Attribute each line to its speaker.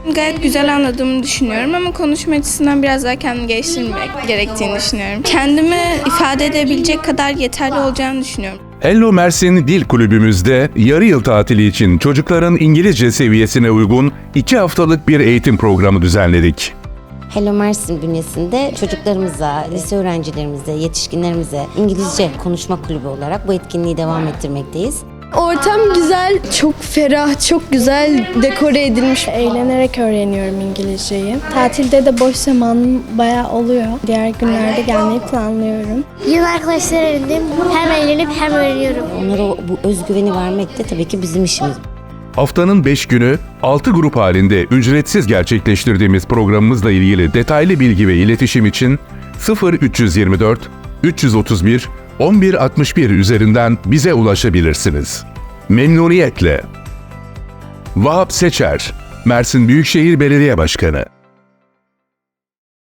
Speaker 1: Gayet güzel anladığımı düşünüyorum ama konuşma açısından biraz daha kendimi geliştirmek gerektiğini düşünüyorum. Kendimi ifade edebilecek kadar yeterli olacağını düşünüyorum.
Speaker 2: Hello Mersin Dil Kulübümüzde yarı yıl tatili için çocukların İngilizce seviyesine uygun 2 haftalık bir eğitim programı düzenledik.
Speaker 3: Hello Mersin bünyesinde çocuklarımıza, lise öğrencilerimize, yetişkinlerimize İngilizce konuşma kulübü olarak bu etkinliği devam ettirmekteyiz.
Speaker 4: Ortam güzel, çok ferah, çok güzel dekore edilmiş. Eğlenerek öğreniyorum İngilizceyi. Tatilde de boş zamanım bayağı oluyor. Diğer günlerde gelmeyi planlıyorum.
Speaker 5: Yeni arkadaşlar edindim. Hem eğlenip hem öğreniyorum.
Speaker 3: Onlara bu özgüveni vermek de tabii ki bizim işimiz.
Speaker 2: Haftanın 5 günü 6 grup halinde ücretsiz gerçekleştirdiğimiz programımızla ilgili detaylı bilgi ve iletişim için 0324 331 1161 üzerinden bize ulaşabilirsiniz. Memnuniyetle. Vahap Seçer, Mersin Büyükşehir Belediye Başkanı.